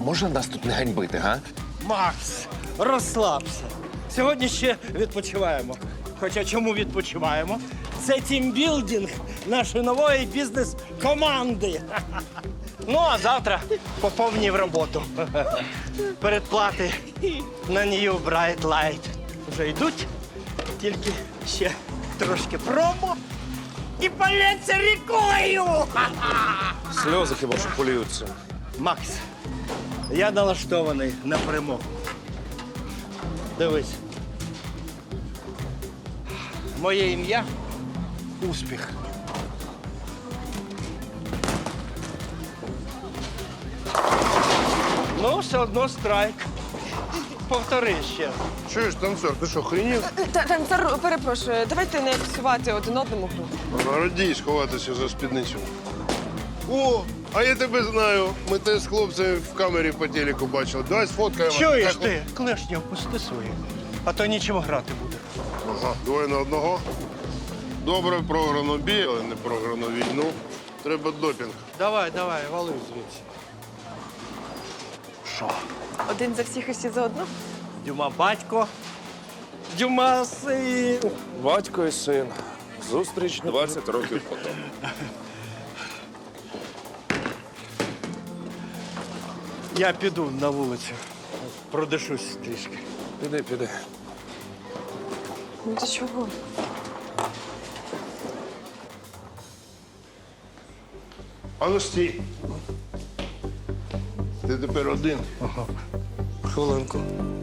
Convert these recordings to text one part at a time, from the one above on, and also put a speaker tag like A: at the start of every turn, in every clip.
A: можна нас тут не ганьбити, га?
B: Макс, розслабся. Сьогодні ще відпочиваємо. Хоча чому відпочиваємо? Це тімбілдинг нашої нової бізнес-команди. Ну, а завтра по повній в роботу. Передплати на New Bright Light вже йдуть, тільки ще трошки промо і полється рікою.
A: Сльози хіба що поліються.
B: Макс, я налаштований на перемогу. Дивись. Моє ім'я – успіх. Ну, все одно страйк. Повтори ще.
C: Чуєш, танцор, ти що, хренів?
D: Танцор, перепрошую, давайте не псувати один одному гру.
C: Радій сховатися за спідницю. О, а я тебе знаю. Ми те з хлопцями в камері по телеку бачили. Давай сфоткаємо.
B: Чуєш
C: Так,
B: ти? Клешні опусти свої, а то нічого грати буде.
C: Ага, двоє на одного. Добре програно бій, але не програно війну. Треба допінг.
B: Давай, вали звідси.
D: Один за всіх і всі за одну.
B: Дюма батько, Дюма син.
A: Батько і син. Зустріч 20 років потім.
B: Я піду на вулицю, продишусь трішки.
A: Піди.
D: Ну ти чого?
C: А ну стій. Ти тепер один.
B: Хвилинку.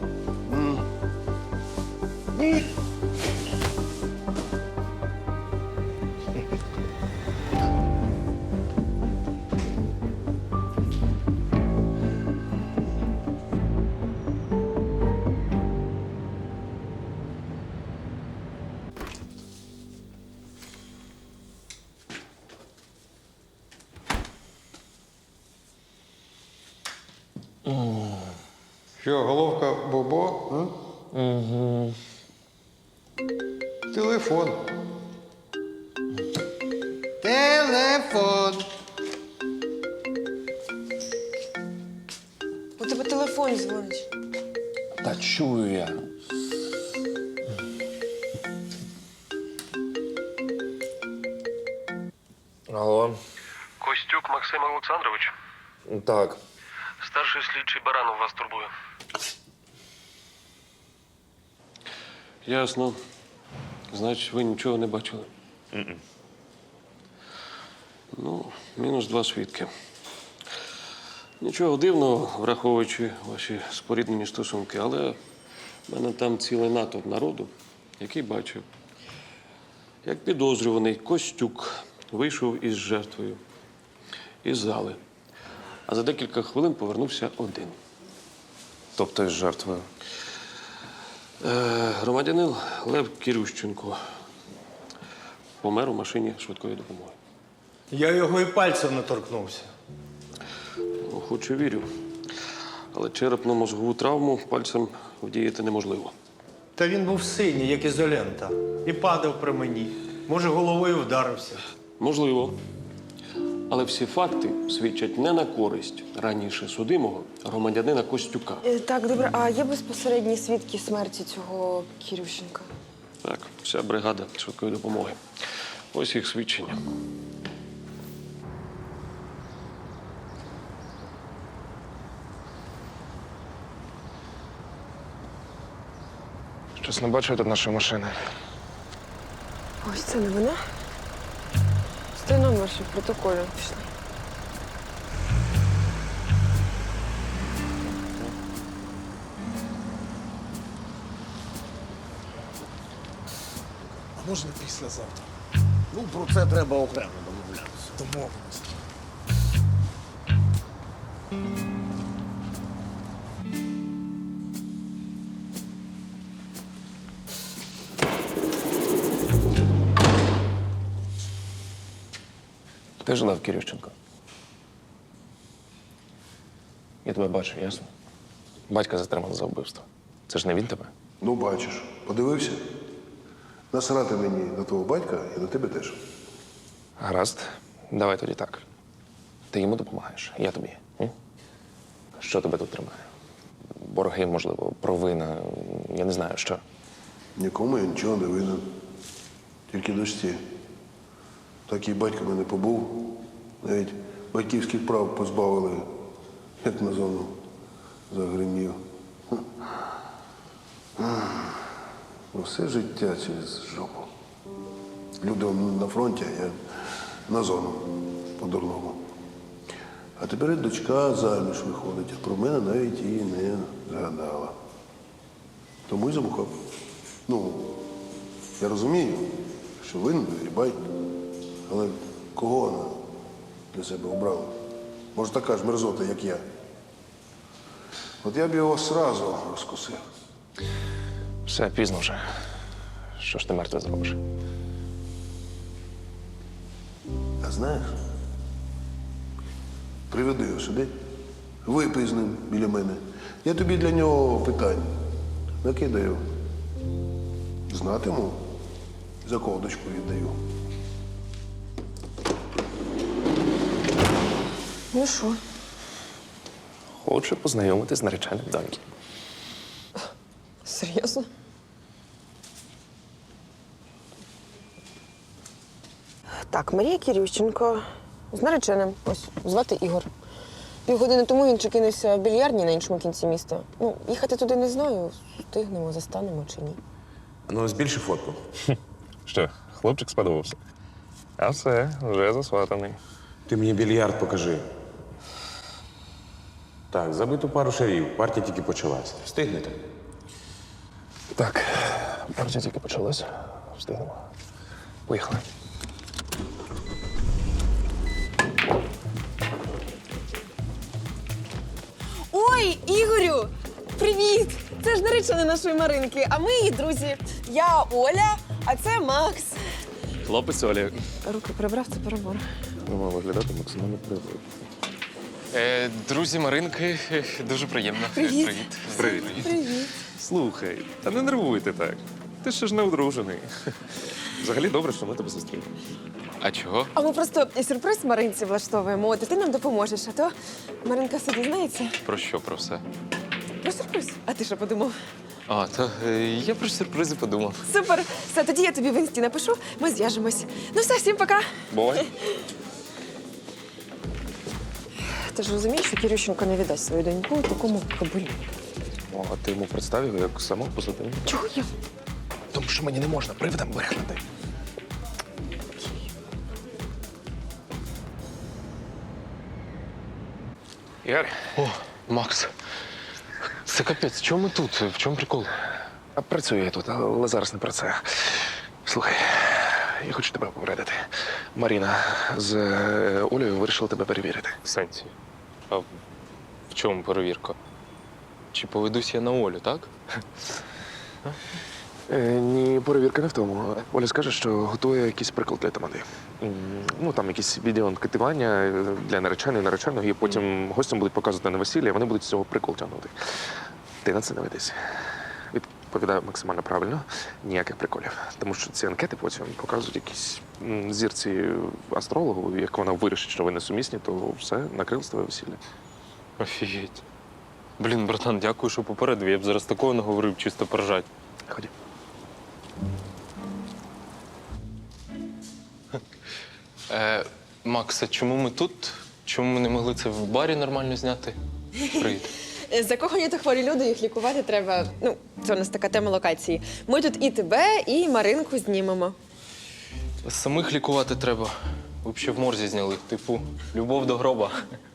E: Що, головка Бобо? Угу. Телефон. Телефон.
D: У тебе телефон дзвонить.
A: Та чую я. Алло.
F: Костюк Максим Олександрович.
A: Так.
F: Старший слідчий Баранов вас турбує.
G: Ясно. Значить, ви нічого не бачили? Ну, мінус 2 свідки. Нічого дивного, враховуючи ваші споріднені стосунки, але в мене там цілий натовп народу, який бачив, як підозрюваний Костюк вийшов із жертвою із зали, а за декілька хвилин повернувся один.
A: Тобто із жертвою.
G: Громадянин Лев Кірющенко помер у машині швидкої допомоги.
B: Я його і пальцем не торкнувся.
G: Ну, хоч і вірю. Але черепно-мозгову травму пальцем вдіяти неможливо.
B: Та він був синій, як ізолента. І падав при мені. Може, головою вдарився.
G: Можливо. Але всі факти свідчать не на користь раніше судимого громадянина Костюка.
D: Так, добре, а є безпосередні свідки смерті цього Кірющенка?
G: Так, вся бригада швидкої допомоги. Ось їх свідчення.
A: Щось не бачу тут нашої машини.
D: Ось це не вона. Стой номер, що в протоколі. Пішли.
H: А можна післязавтра? Ну, про це треба окремо домовлятися. Домовимося.
A: Ти ж Лев Кірющенко. Я тебе бачу, ясно? Батька затримали за вбивство. Це ж не він тебе?
C: Ну, бачиш, подивився. Насрати мені на твого батька і на тебе теж.
A: Гаразд. Давай тоді так. Ти йому допомагаєш, я тобі. М? Що тебе тут тримає? Борги, можливо, провина, я не знаю, що.
C: Нікому я нічого не винен. Тільки дочці. Так і батько мене побув. Навіть батьківських прав позбавили, як на зону загримів. Все життя через жопу. Люди на фронті, а я на зону по-дурному. А тепер і дочка заміж виходить, а про мене навіть і не згадала. Тому й замухав. Ну, я розумію, що винен Грибай, але кого вона для себе обрала? Може, така ж мерзота, як я. От я б його сразу розкусив.
A: Все, пізно вже. Що ж ти мертве зробиш?
C: А знаєш, приведи його сюди, випий з ним біля мене. Я тобі для нього питань накидаю. Знатиму, за кого дочку віддаю.
D: Ну що?
A: Хочу познайомитись з нареченим доньки.
D: Серйозно? Так, Марія Кирющенко з нареченим. Ось, звати Ігор. Півгодини тому він чекинувся в більярдні на іншому кінці міста. Ну, їхати туди не знаю, встигнемо, застанемо чи ні.
I: Ну, збільши фотку.
A: Що, хлопчик сподобався? А все, вже засватаний.
I: Ти мені більярд покажи. Так, забиту пару шарів. Партія тільки почалась. Встигнете?
A: Так, партія тільки почалась. Встигнемо. Поїхали.
D: Ой, Ігорю! Привіт! Це ж наречена нашої Маринки, а ми її друзі. Я Оля, а це Макс.
A: Хлопець Олі.
D: Руки прибрав, це перебор.
A: Мав виглядати максимально природно.
J: Друзі Маринки, дуже приємно.
D: Привіт.
A: Привіт.
D: Привіт.
A: Слухай, та не нервуйте так. Ти ще ж не одружений. Взагалі добре, що ми тебе зустріли.
J: А чого?
D: А ми просто сюрприз Маринці влаштовуємо, от і ти нам допоможеш, а то Маринка все дізнається.
J: Про що про все?
D: Про сюрприз. А ти що подумав?
J: А, то я про сюрпризи подумав.
D: Супер! Все, тоді я тобі в інсті напишу, ми зв'яжемось. Ну все, всім пока.
A: Бувай.
D: Ти ж розумієш, що Кирющенко не віддасть свою доньку такому кабулі.
A: О, а ти йому представив його як самого позитивного?
D: Чого я?
A: Тому що мені не можна привидам брехнути. Ігор,
J: О, Макс. Це капець, чому ми тут? В чому прикол?
A: а працюю я тут, але зараз не про це. Слухай, я хочу тебе попередити. Маріна з Олею вирішила тебе перевірити.
J: В сенсі. А в чому перевірка? Чи поведусь я на Олю, так?
A: Ні, перевірка не в тому. Оля скаже, що готує якийсь приклад для тамади. Ну, там якісь відеоанкетування для нареченої, нареченого, і потім гостям будуть показувати на весілля, і вони будуть з цього прикол тягнути. Ти на це не ведись. Відповідаю максимально правильно, ніяких приколів. Тому що ці анкети потім показують якісь зірці астрологу, як вона вирішить, що ви несумісні, то все, накрилось твоє весілля.
J: Офігеть. Блін, братан, дякую, що попередив. Я б зараз такого не говорив, чисто поржать.
A: Ході.
J: Макс, а чому ми тут? Чому ми не могли це в барі нормально зняти? Привіт.
D: Закохані та хворі люди, їх лікувати треба. Ну, це у нас така тема локації. Ми тут і тебе, і Маринку знімемо.
J: Самих лікувати треба. Ви б ще в морзі зняли. Типу, любов до гроба.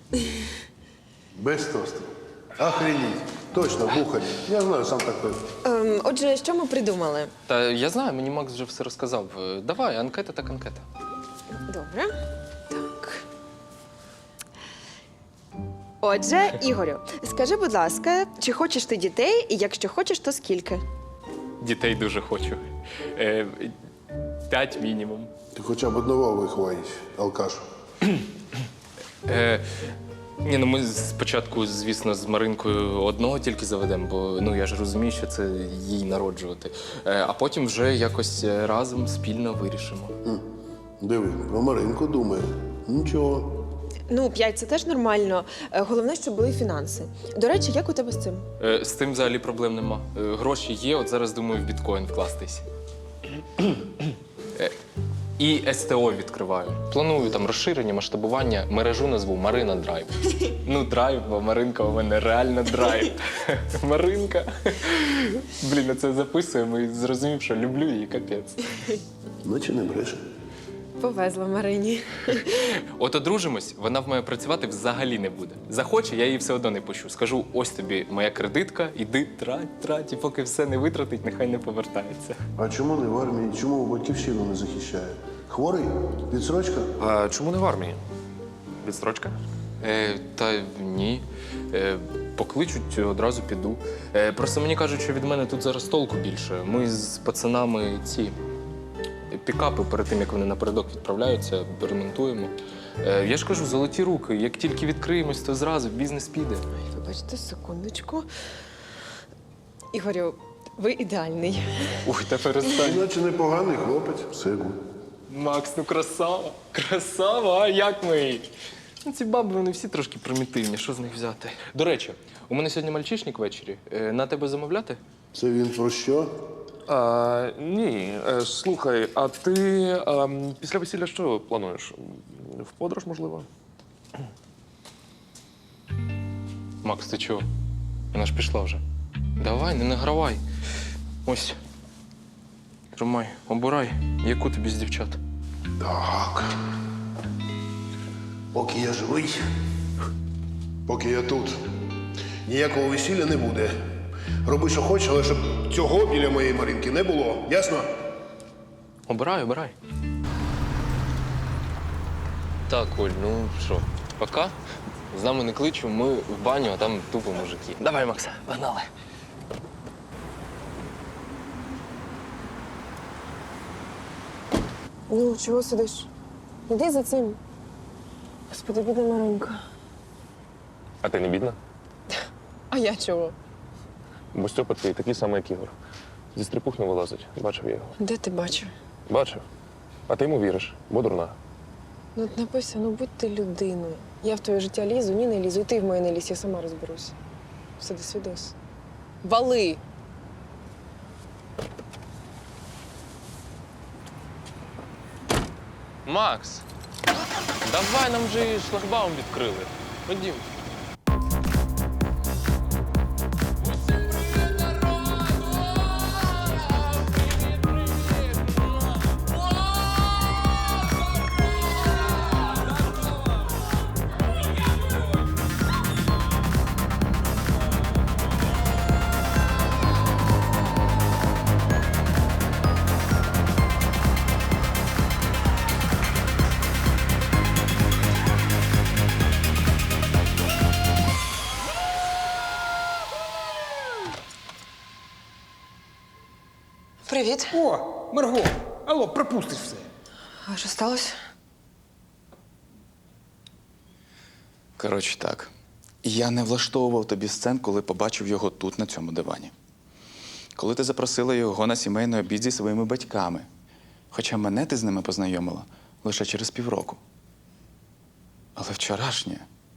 C: Без тосту. Охренеть. Точно, бухарі. Я знаю, сам такий.
D: Отже, що ми придумали?
J: Та я знаю, мені Макс вже все розказав. Давай, анкета так анкета.
D: Добре. Так. Отже, Ігорю, скажи, будь ласка, чи хочеш ти дітей, і якщо хочеш, то скільки?
J: Дітей дуже хочу. 5 мінімум.
C: Ти хоча б одного виховаєш, алкаш.
J: Ні, ну ми спочатку, звісно, з Маринкою одного тільки заведемо, бо ну я ж розумію, що це їй народжувати. А потім вже якось разом спільно вирішимо.
C: Диви, про Маринку думає. Нічого.
D: Ну, 5 – це теж нормально. Головне, щоб були фінанси. До речі, як у тебе з цим?
J: З тим взагалі проблем нема. Гроші є, от зараз думаю в біткоін вкластись. І СТО відкриваю. Планую там розширення, масштабування, мережу назву Марина Драйв. Ну, драйв, бо Маринка у мене реально драйв. Маринка. Блін, я це записуємо і зрозумів, що люблю її, капець.
C: Наче не бреше.
D: Повезла Марині.
J: От одружимось, вона в мене працювати взагалі не буде. Захоче, я її все одно не пущу. Скажу, ось тобі моя кредитка, іди трать, і поки все не витратить, нехай не повертається.
C: А чому не в армії? Чому батьківщину не захищає? Хворий? Відсрочка?
A: А чому не в армії? Відстрочка?
J: Та ні. Покличуть, одразу піду. Просто мені кажуть, що від мене тут зараз толку більше. Ми з пацанами ці пікапи перед тим, як вони напередок відправляються, ремонтуємо. Я ж кажу, золоті руки. Як тільки відкриємось, то зразу бізнес піде.
D: Вибачте, секундочку. Ігорю, ви ідеальний.
J: Ух, та перестань.
C: Наче непоганий хлопець. Все гуд.
J: Макс, ну красава. Красава, а як ми? Ну, ці баби, вони всі трошки примітивні. Що з них взяти? До речі, у мене сьогодні мальчишник ввечері. На тебе замовляти?
C: Це він про що?
A: Ні. Слухай, а ти після весілля що плануєш? В подорож, можливо?
J: Макс, ти чого? Вона ж пішла вже. Давай, не награвай. Ось. Тримай, обирай, яку тобі з дівчат.
C: Так. Поки я живий, поки я тут, ніякого весілля не буде. Роби, що хочеш, але щоб цього біля моєї Маринки не було. Ясно?
J: Обирай, обирай. Так, Оль, ну що, пока. З нами не кличу, ми в баню, а там тупо мужики. Давай, Макса, погнали.
D: Ну, чого сидиш? Іди за цим. Господи, бідна Маринка.
A: А ти не бідна?
D: А я чого?
A: Бо Стьопа твій такий самий, як Ігор. Зі стрипух не вилазить. Бачив я його.
D: Де ти бачив?
A: Бачив. А ти йому віриш, бо дурна.
D: Ну, от написано, будь ти людиною. Я в твоє життя лізу, ні, не лізу. І ти в моє не лізь, я сама розберусь. Все, до свідос. Вали!
J: Макс, давай, нам же і шлагбаум відкрили. Ходім.
D: Привіт.
H: О, Марго, алло, пропустиш все.
D: А що сталося?
K: Коротше так. Я не влаштовував тобі сцен, коли побачив його тут, на цьому дивані. Коли ти запросила його на сімейний обід зі своїми батьками. Хоча мене ти з ними познайомила лише через півроку. Але вчорашнє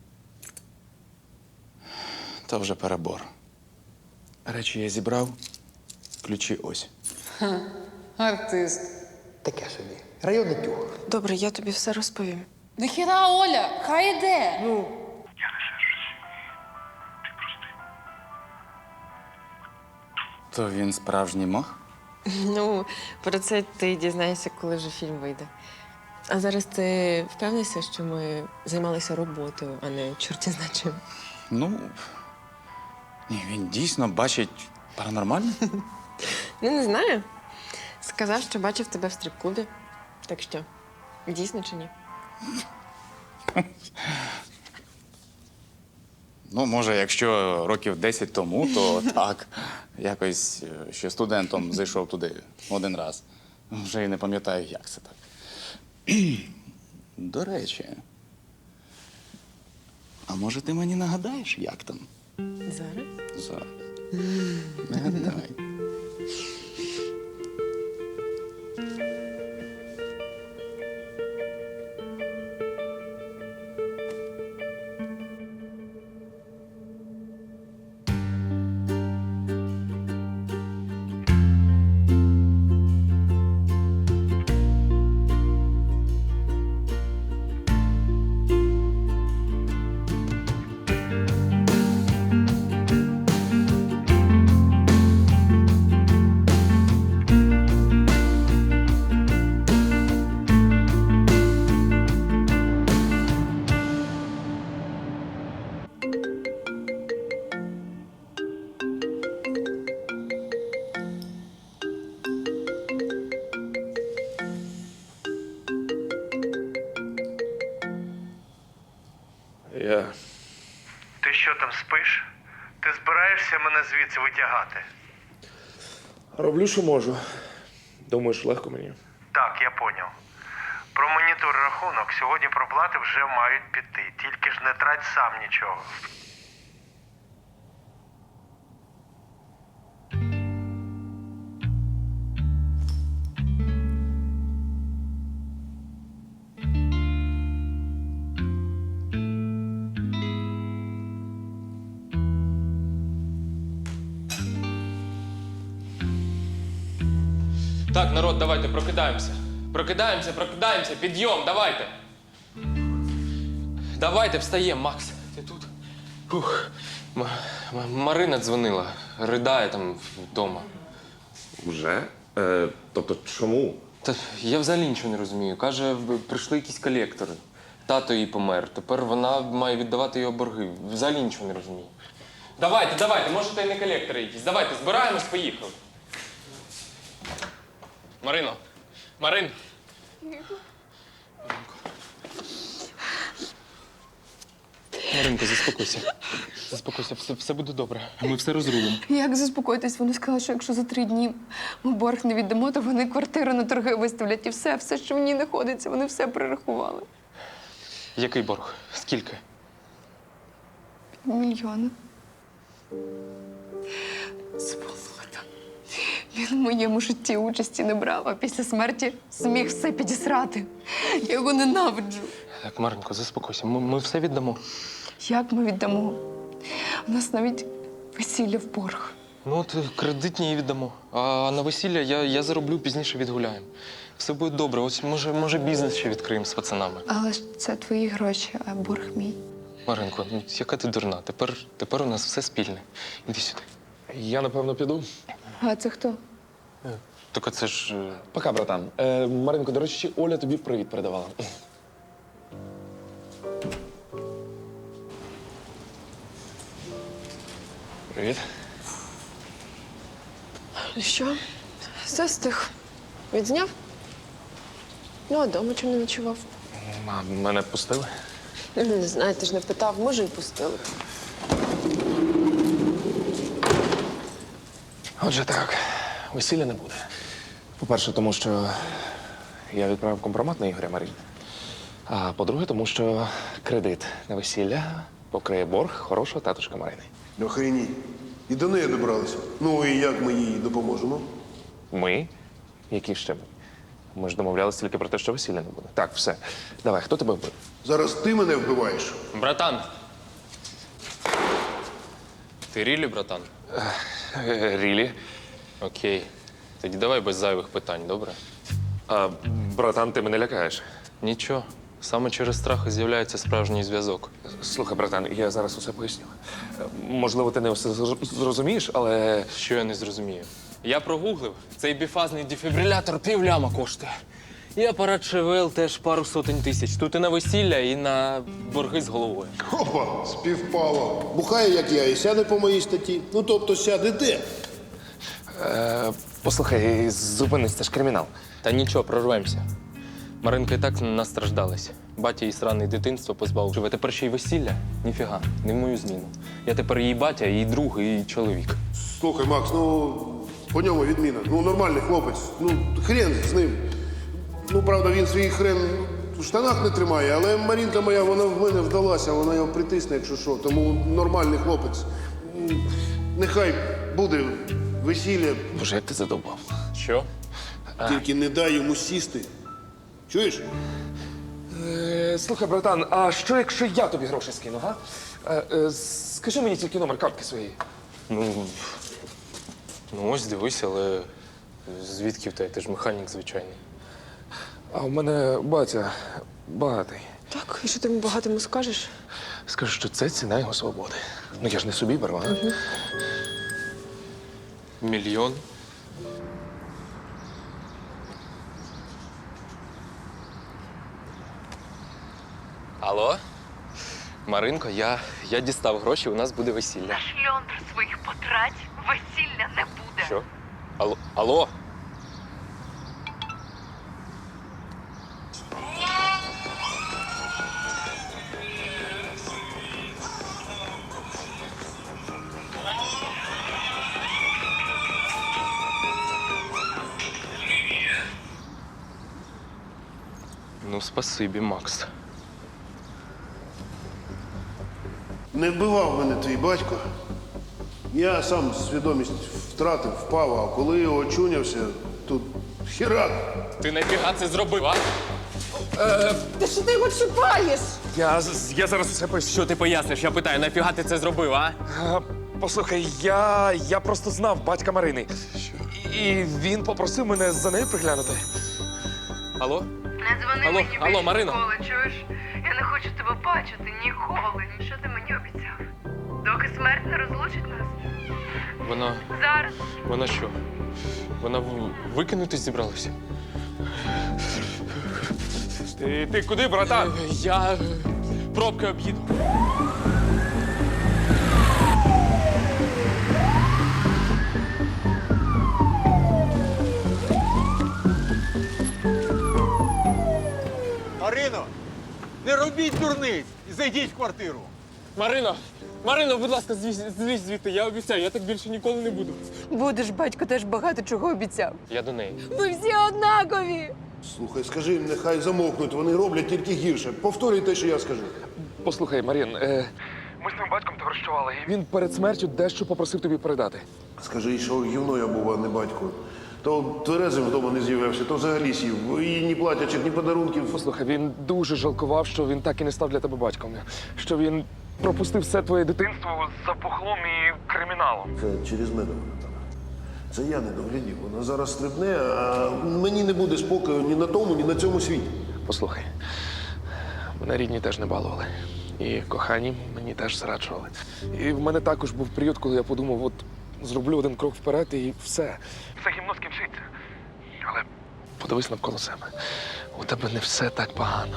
K: – то вже перебор. Речі я зібрав, ключі ось.
L: Артист.
H: Таке собі. Районний тюг.
D: Добре, я тобі все розповім.
L: Нахіра Оля, хай іде.
D: Ну,
K: То він справжній мох?
D: ну, про це ти дізнаєшся, коли вже фільм вийде. А зараз ти впевнився, що ми займалися роботою, а не чорті зна чим?
K: Ну, ні, він дійсно бачить паранормальне.
D: Ну, не знаю. Сказав, що бачив тебе в стрип-клубі. Так що, дійсно чи ні?
K: Ну, може, якщо років 10 тому, то так. Якось ще студентом зайшов туди один раз. Вже й не пам'ятаю, як це так. До речі, а може ти мені нагадаєш, як там?
D: Зараз?
K: Зараз. Нагадай.
A: Я.
B: Ти що там спиш? Ти збираєшся мене звідси витягати?
A: Роблю, що можу. Думаєш, легко мені?
B: Так, я поняв. Про монітор рахунок сьогодні проплати вже мають піти. Тільки ж не трать сам нічого.
J: Так, народ, давайте, прокидаємося. Прокидаємося, підйом, давайте. Давайте, встаємо, Макс. Ти тут? Фух. Марина дзвонила, ридає там вдома.
A: Вже? Тобто чому?
J: Та я взагалі нічого не розумію. Каже, прийшли якісь колектори. Тато її помер. Тепер вона має віддавати його борги. Взагалі нічого не розумію. Давайте, може, та й не колектори якісь. Давайте, збираємось, поїхали. Марин. Маринко, заспокойся. Все буде добре. Ми все розрулимо.
L: Як заспокоїтись? Вони сказали, що якщо за 3 дні ми борг не віддамо, то вони квартиру на торги виставлять. І все, що в ній знаходиться, вони все перерахували.
J: Який борг? Скільки?
L: 5 мільйонів. Сволота. Він в моєму житті участі не брав, а після смерті зміг все підісрати. Я його ненавиджу.
J: Так, Маринко, заспокойся. Ми все віддамо.
L: Як ми віддамо? У нас навіть весілля в борг.
J: Ну, от кредитні її віддамо. А на весілля я зароблю, пізніше відгуляємо. Все буде добре. Ось, може бізнес ще відкриємо з пацанами.
L: Але ж це твої гроші, а борг мій.
J: Маринко, ну яка ти дурна? Тепер у нас все спільне. Іди сюди.
A: Я, напевно, піду.
L: А це хто?
J: Так це ж.
A: Пока, братан. Маринко, до речі, Оля тобі привіт передавала. Привіт.
D: Ну що, все встиг. Відзняв? Ну, а дома чому не ночував?
A: А мене пустили?
D: Не знаю, ти ж не питав, може, і пустили.
A: Отже так, весілля не буде. По-перше, тому що я відправив компромат на Ігоря Марії. А по-друге, тому що кредит на весілля покриє борг хорошого татушка Марини.
C: Охреніть. І до неї добралися. Ну і як ми їй допоможемо?
A: Ми? Які ще ми? Ми ж домовлялися тільки про те, що весілля не буде. Так, все. Давай, хто тебе вбив?
C: Зараз ти мене вбиваєш.
J: Братан. Ти рілі, братан?
A: Рілі.
J: Окей. Тоді давай без зайвих питань, добре?
A: А, братан, ти мене лякаєш.
J: Нічого. Саме через страх і з'являється справжній зв'язок.
A: Слухай, братан, я зараз усе поясню. Можливо, ти не все зрозумієш, але.
J: Що я не зрозумію? Я прогуглив. Цей біфазний дефібрилятор півляма коштує. І апарат ШВЛ теж пару сотень тисяч. Тут і на весілля, і на борги з головою.
C: Опа, співпало. Бухає, як я, і сяде по моїй статті. Ну, тобто сяде де?
A: Послухай, зупинись, це ж кримінал.
J: Та нічого, прорвемося. Маринка і так настраждалась. Батя її сраний дитинство позбавив. Живе тепер ще й весілля? Ніфіга, не в мою зміну. Я тепер її батя, її друг, і чоловік.
C: Слухай, Макс, ну по ньому відміна. Ну, нормальний хлопець. Ну, хрен з ним. Ну, правда, він свій хрен в штанах не тримає, але Марінка моя, вона в мене вдалася, вона його притисне, якщо що. Тому нормальний хлопець. Нехай буде весілля,
A: Боже, як ти задовбав.
J: Що?
C: тільки не дай йому сісти. Чуєш?
A: Слухай, братан, а що, якщо я тобі гроші скину, га? Скажи мені тільки номер картки своєї.
J: Ну ось дивись, але звідки в тебе? Ти ж механік звичайний.
A: А у мене батя багатий.
D: Так, і що ти йому багатому скажеш?
A: Скажу, що це ціна його свободи. Ну я ж не собі беру, а?
J: Мільйон? Алло? Маринко, я дістав гроші, у нас буде весілля.
M: На шльондр своїх потрать весілля не буде.
J: Що? Алло? Ну, спасибі, Макс.
C: Не вбивав мене твій батько. Я сам свідомість втратив, впав, а коли очунявся, тут херак.
J: Ти нафіга це зробив, а?
D: Та що ти його чіпаєш?
A: Я зараз усе поясню.
J: Що ти поясниш? Я питаю, нафіга ти це зробив, а?
A: Послухай, я просто знав батька Марини. І він попросив мене за нею приглянути.
J: Алло?
M: Не дзвони
J: Алло,
M: мені
J: алло,
M: більше
J: Марина.
M: ніколи, чуєш? Я не хочу тебе бачити ніколи. Що ти мені обіцяв? Доки смерть не розлучить нас.
J: Вона
M: Зараз
J: що? Вона викинутись зібралася?
A: Ти куди, братан?
J: Я пробки об'їду.
H: Марино, не робіть дурниць і зайдіть в квартиру.
J: Марино, будь ласка, злізь звідти. Я обіцяю, я так більше ніколи не буду.
L: Будеш, батько теж багато чого обіцяв.
J: Я до неї.
L: Ви всі однакові.
C: Слухай, скажи їм, нехай замовкнуть, вони роблять тільки гірше. Повторюй те, що я скажу.
A: Послухай, Марін, ми з твоїм батьком товаришували. Він перед смертю дещо попросив тобі передати.
C: Скажи, що гівно я був, а не батько. То тверезим вдома не з'явився, то взагалі сів. І ні платячих, ні подарунків.
A: Послухай, він дуже жалкував, що він так і не став для тебе батьком. Що він пропустив все твоє дитинство за бухлом і криміналом.
C: Це через мене вона там. Це я не доглядів. Вона зараз стрибне, а мені не буде спокою ні на тому, ні на цьому світі.
A: Послухай, мене рідні теж не балували. І кохані мені теж зраджували. І в мене також був період, коли я подумав, от зроблю один крок вперед і все. Все гімно скінчиться. Але подивись навколо себе. У тебе не все так погано.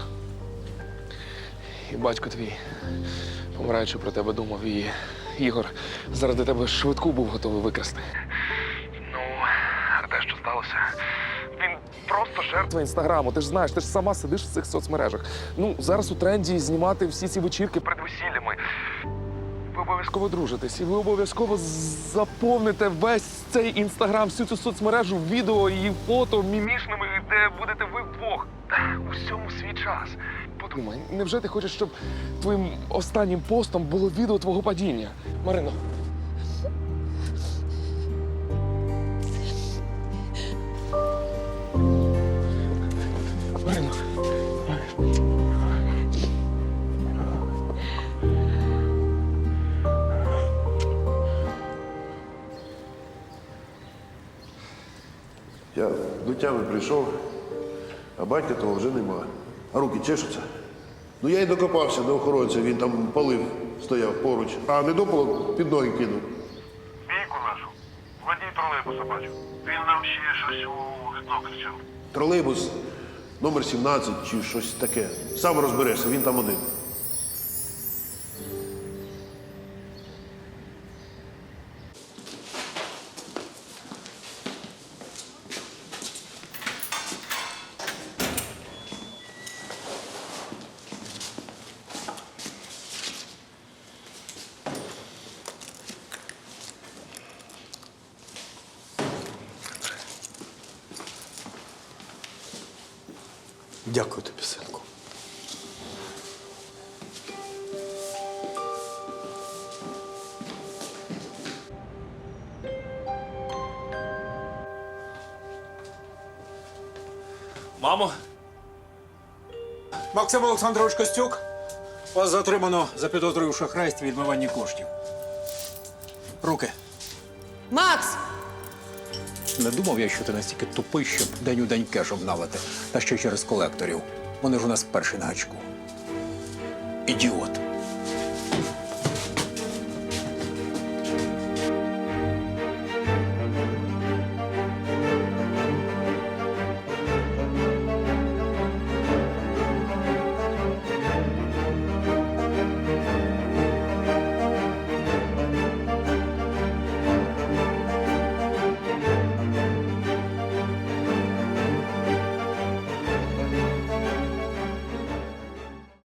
A: І батько твій, помираючи про тебе, думав, і Ігор заради тебе швидку був готовий викрасти. Ну, а те, що сталося, він просто жертва інстаграму. Ти ж знаєш, ти ж сама сидиш в цих соцмережах. Ну, зараз у тренді знімати всі ці вечірки перед весіллями. Ви обов'язково дружитесь, і ви обов'язково заповните весь цей інстаграм, всю цю соцмережу відео і фото мімішними, де будете ви вдвох. У всьому свій час. Подумай, невже ти хочеш, щоб твоїм останнім постом було відео твого падіння?
J: Марино.
A: Марино.
C: Я до тями прийшов, а батька того вже нема. А руки чешуться. Ну я й докопався до охоронця, він там палив, стояв поруч, а недопалок під ноги кинув.
B: Бійку нашу. Водій тролейбуса бачу. Він нам ще щось у вікно кричав.
C: Тролейбус номер 17 чи щось таке. Сам розберешся, він там один.
H: Дякую тобі, синку.
E: Мамо.
H: Максим Олександрович Костюк, вас затримано за підозрою в шахрайстві і відмиванні коштів. Руки.
D: Макс!
H: Не думав я, що ти настільки тупий, щоб день у день кеш обналити. Та ще через колекторів. Вони ж у нас перші на гачку. Ідіот.